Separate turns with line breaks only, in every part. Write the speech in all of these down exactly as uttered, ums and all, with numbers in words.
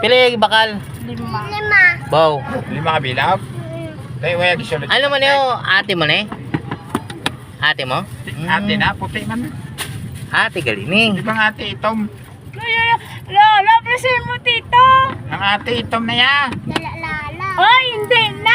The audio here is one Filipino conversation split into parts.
Pili bakal.
Lima. Lima.
Bow.
Lima ka bilag? Tayo, wala gisulod.
Ano mo niyo? Ate mo na eh? Ate mo?
Ate na, puti man.
Ate galini.
Di ba ang ate itom?
Lola, presin mo, tito.
Ang ate itom na ya.
Lala. Ay, hindi na.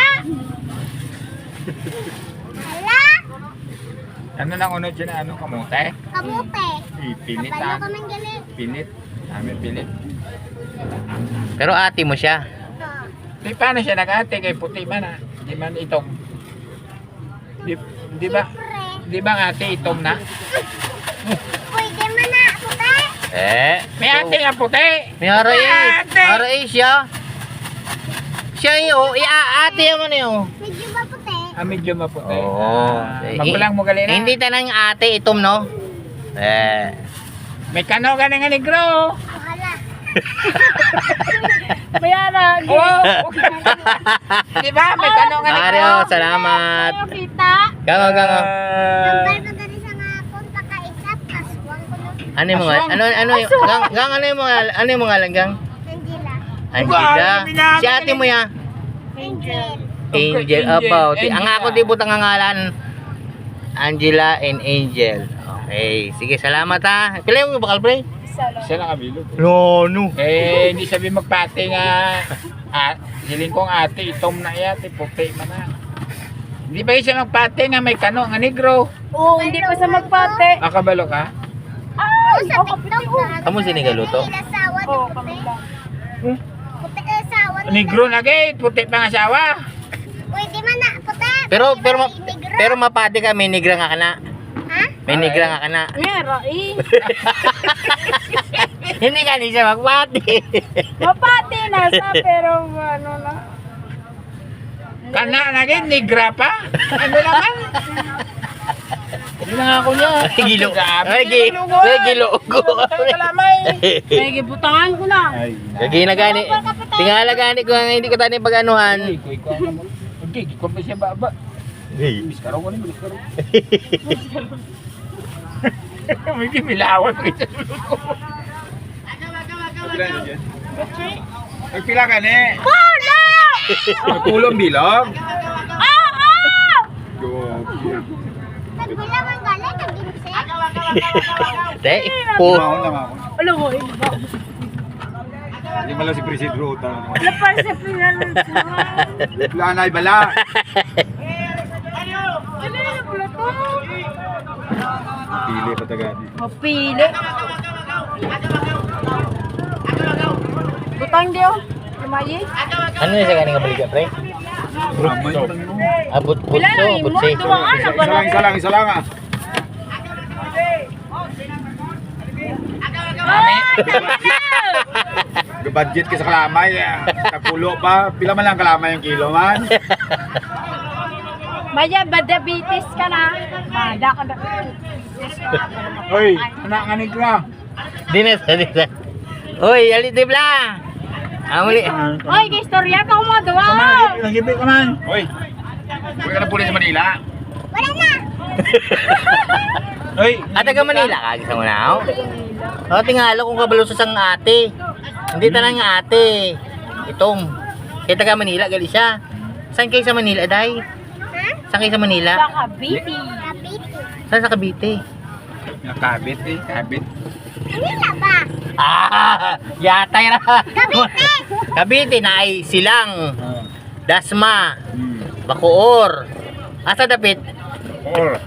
Lala.
Ano nang unod dyan? Ano, kamote?
Kamote.
Eh, Pilit
Kapalo
ah.
kaming galit.
Pilit. Amin pilit.
Pero ate mo siya.
Di paano siya nag-ate kay puti man ah. Di man itom. Di, di ba? Di ba ang ate itom na?
Pwede man na, puti.
Eh.
May ate nga puti.
May hara eh.
Ate.
Hara eh siya. Siya yun. I-ate mo na yun.
Medyo ba puti?
Ah, medyo maputi.
Oo.
Ah, Magulang mo gali na.
Hindi tanang ate itom no? Eh.
May kano ka nga negro.
Wala. Mayara.
Oh, di ba? May kano nga negro.
Mario, salamat.
Kita.
Gango, gango.
Nambal ko dali sa nga akong pakaisap. Aswang ko nun.
Ano yung mga, ano, ano yung, gang, gang, ano yung mga, ano yung mga langgang?
Angela.
Angela. Si ate mo ya?
Angel.
Angel,
Angel,
about.
Angela.
Ang ako di butang ang ngalan. Angela and Angel. Okay, sige, salamat ha. Pila yung bakal pre?
Siya lang kabilog.
No, no.
Eh, hindi sabi magpate nga. Ah, hiling kong ate, itom na yate, puti man na. Hindi ba siya magpate nga may kano nga negro?
Oo, hindi pa sa magpate.
Ah, kabalo ka?
Ay, sa TikTok na.
Kamu sinigaluto?
Ilasawa di puti. Puti ilasawa.
Negro na gate, puti pa nga asawa.
Pwede man na, puti.
Pero, pero, ma-
Negro.
pero mapati ka, may nigra nga ka na.
Ha?
May nigra nga ka na.
Meron eh.
Hindi ka ni siya magpati.
Mapati na sa pero ano na.
Kana na gate, negra pa? Ano naman? Hindi na nga ako niya.
Gilo.
Grabe,
Ay, gi-
gilugo.
ay, gilugo.
Tayo kalamay.
May gibutangan ko na.
Ay,
Lagi na gani. Tingala gani ko nga hindi ko tani pag-anuhan.
Ay, kuy ko naman. Okay, ko pa siya baba. Bis karo ko ni, bis karo. May kimilawan ko sa sulod ko. Ay, pila ka ni?
Wala!
Tulong bilog?
Ah! Ah!
Grabe.
Nagbilang ang galing, nag-ginse.
Te, po.
Mahon na mahon.
Alam mo, eh.
Hindi mo lang si Presidro.
Lapar sa pinanong
Wala na, ibala.
Ano yung plato?
Pili pa tagadi.
Mapili. Butang diyo. Lumayi.
Ano yung sa ganing kabaliga, pre?
Brutso.
Abot
Pila
putso,
na imo?
putsi.
Dumaan na ba
Isa lang, isa lang, isa lang ah.
Ay, tama na!
Budget ka sa kalamay. Kapulo pa. Pila man lang kalamay yung kilo man.
Maya, badabitis ka na. Bada ka na.
Hoy, anak nga negra.
Dines, dines. Uy, alitib la. Amuli.
Oy, kay istorya ka mo, duwa.
Nagibi ka man. Hoy, huwag ka na pulis sa Manila.
Wala na.
Hoy,
At taga Manila ka, gisa mo na ako. O, tingalo kung kabalo sa sang ate. Hindi tanang nga ate. Itong. Kaya taga Manila, gali siya. Saan kayo sa Manila, day?
Ha?
Saan kayo sa Manila?
Sa Cavite. Cavite.
Saan sa Cavite?
nakabit eh, kabit.
Manila ba?
Ah, yatay na.
Cavite.
Cavite na ay silang.
Oh.
Dasma.
Hmm.
Bacoor. Asa dapit?
Or.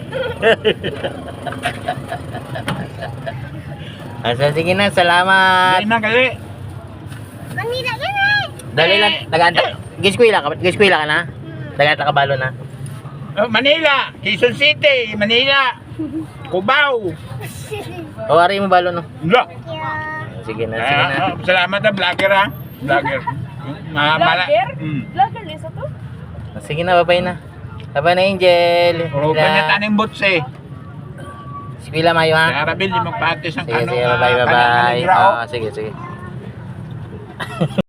Asa, sige na, salamat.
Ay na gali.
Manila yan eh.
Dali lang, naganta. Giskwila ka, giskwila ka na? Naganta ka balo na?
Oh, Manila, Quezon City, Manila, Cubao.
O, ari mo balo no?
Wala.
Sige na, sige na.
Ah, salamat na vlogger ha. Vlogger. Ma mala.
Vlogger?
Mm.
Vlogger nisa to?
Sige na, babay na. Babay na, Angel.
Oro pa niya taning botse.
Skwila mayo ha?
Kaya Rabil, di magpatis ang
Sige,
kanong
sige, bye bye, bye
kanang
bye.
kaligrao.
Ah, sige, sige.